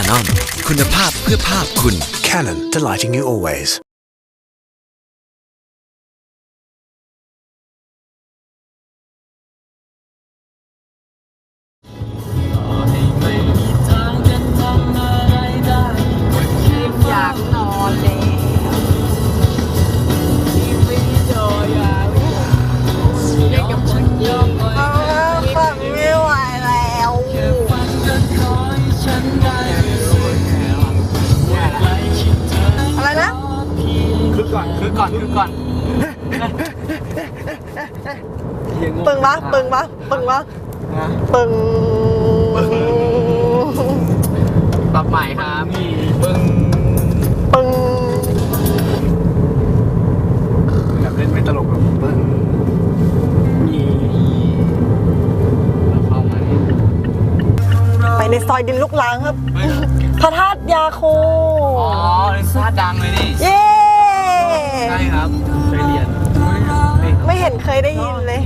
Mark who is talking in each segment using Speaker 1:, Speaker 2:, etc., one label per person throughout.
Speaker 1: Canon คุณภาพเพื่อภาพคุณ
Speaker 2: Canon, delighting you always.
Speaker 3: อยากนอนแล้วเรียกกับฉันยอมฟังไม่ไหวแล้วอะไรนะ
Speaker 4: คือก่อน
Speaker 3: ปึงปะปึงปะปึงปะปึง
Speaker 4: ปรับใหม่ครับพี่ปึ้ง
Speaker 3: ปึง
Speaker 4: แบบเล่นไม่ตลกหรอกปึ้งมีเข้ามา
Speaker 3: ไปในซอยดินลูกรังครับพระธาตุยาคู
Speaker 4: อ๋อเล่นซาดังเลยนี่
Speaker 3: เย้
Speaker 4: ใช่ครับเคยเรียน
Speaker 3: ไม่เห็นเคยได้ยินเลย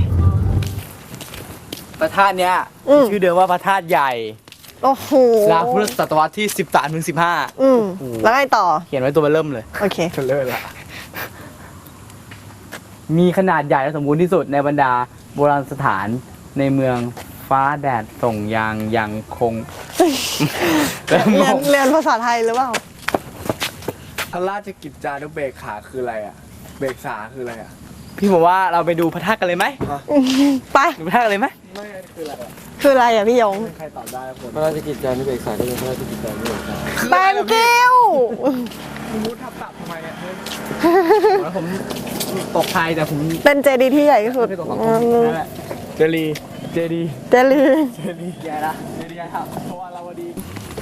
Speaker 4: พระธาตุเนี้ย ชื่อเดิมว่าพระธาตุใหญ่
Speaker 3: โอ้โห
Speaker 4: สร้างพุทธศตวรรษที่13 ถึง
Speaker 3: แล้วไงต่อ
Speaker 4: 15เขียนไว้ตัวเริ่มเลย
Speaker 3: โอเค
Speaker 4: เลิศละมีขนาดใหญ่และสมบูรณ์ที่สุดในบรรดาโบราณสถานในเมืองฟ้าแดดส่งยังคง
Speaker 3: เรียนภาษาไทยหรือเปล่า
Speaker 4: พระราชกิจจานุเบกขาคืออะไรอ่ะ เบกษาคืออะไรอ่ะ พี่บอกว่าเราไปดูพระธาตุกันเลยไหม
Speaker 3: ไป
Speaker 4: ดูพระธาตุกันเลยไหม
Speaker 3: คืออะไรอ่ะพี่ยง
Speaker 4: ใครตอบได้ผมพระราชกิจจานุเบกษาก็เป็นพระราชกิจจานุเบกษา
Speaker 3: แตงกิ้ว
Speaker 4: มุดทับตับทำไมเนี่ยแล้วผมตกไทยแต่ผม
Speaker 3: เป็นเจดีย์ที่ใหญ่ที่สุด
Speaker 4: ไม่ตกสังคมนั่นแหละเจดี
Speaker 3: เจดี
Speaker 4: ใหญ่ละเจดีใหญ่ครับเพราะว่าเราดี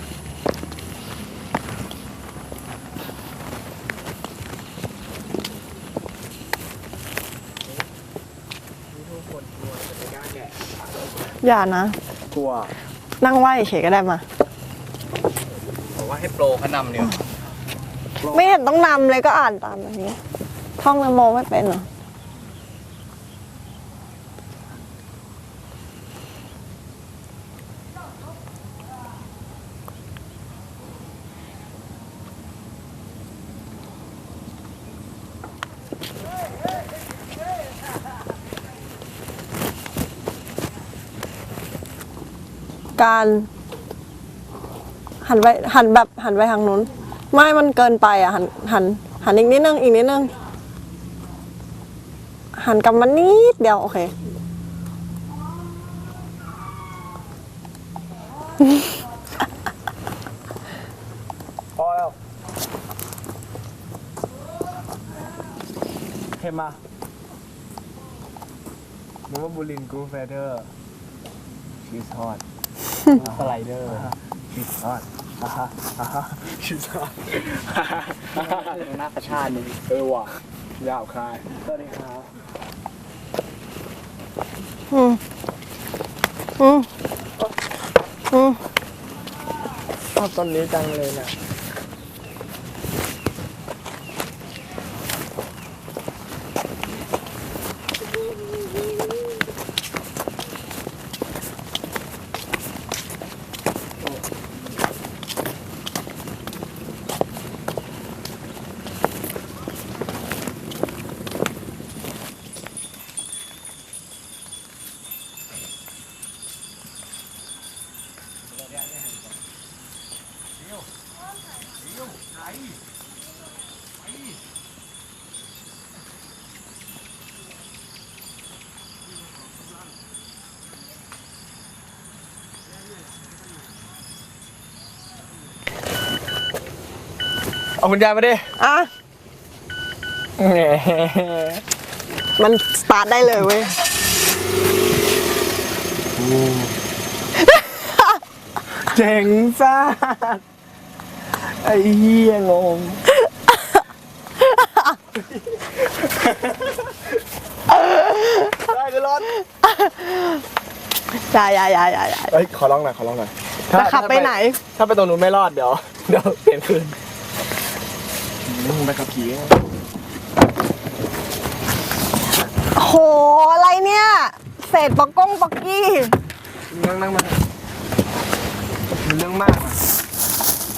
Speaker 3: อย่านะ
Speaker 4: กลัว
Speaker 3: นั่งไหวเฉยก็ได้มา
Speaker 4: บอกว่าให้โปรเขานำเดียว
Speaker 3: ไม่เห็นต้องนำเลยก็อ่านตามแบบนี้ ท่องนโมไม่เป็นเหรอ การหันไปทางนู้น ไม่มันเกินไปอ่ะ หันอีกนิดนึงหันกลับมานิดเดียว โอเค
Speaker 4: พอแล้วเห็นมานึกว่าบูลินกูเฟเดอร์ชีสทอดสไลเดอร์ชีสทอดชีสทอดหน้าประชาตินี่ว่ะยาวคายสวัสดีครับ ชอบต้นนี้จังเลยนะเอาคุณยายมาดิ
Speaker 3: อ่ะ มันสตาร์ทได้เลยเว้ย
Speaker 4: เจ๋งซ่าไอ้เหี้ยงงได้คือรถ
Speaker 3: อย่า
Speaker 4: เฮ้ยขอร้องหน่อย
Speaker 3: จะขับไปไหน
Speaker 4: ถ้าไปตรงนู้นไม่รอดเดี๋ยวเปลี่ยนคืนไปขับขี่
Speaker 3: โห อะไรเนี่ย เศษปอกกี้
Speaker 4: นั่งมามันเรื่องมากอะ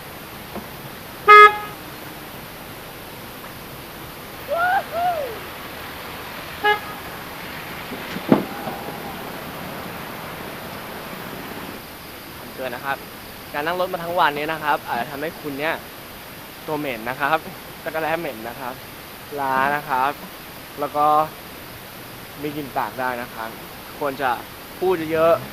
Speaker 5: เกินนะครับ การนั่งรถมาทั้งวันนี้นะครับ อาจจะทำให้คุณเนี่ยตัวเหม็นนะครับจักรแร้เหม็นนะครับล้านะครับ แล้วก็มีกลิ่นปากได้นะครับควรจะพูดเยอะ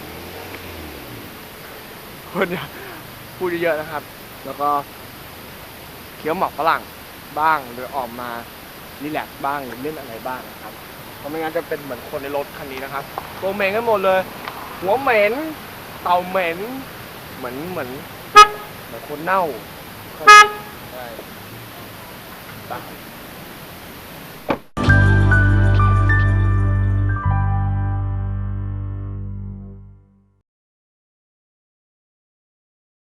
Speaker 5: ๆควรจะพูดเยอะๆนะครับ แล้วก็เคี้ยวหมากฝรั่งบ้างหรือออกมารีแลกซ์บ้างหรือเล่นอะไรบ้างนะครับเพราะไม่งั้นจะเป็นเหมือนคนในรถคันนี้นะครับตัวเหม็นกันหมดเลยหัวเหม็นเต่าเหม็นเหมือนคนเน่าใช่ไป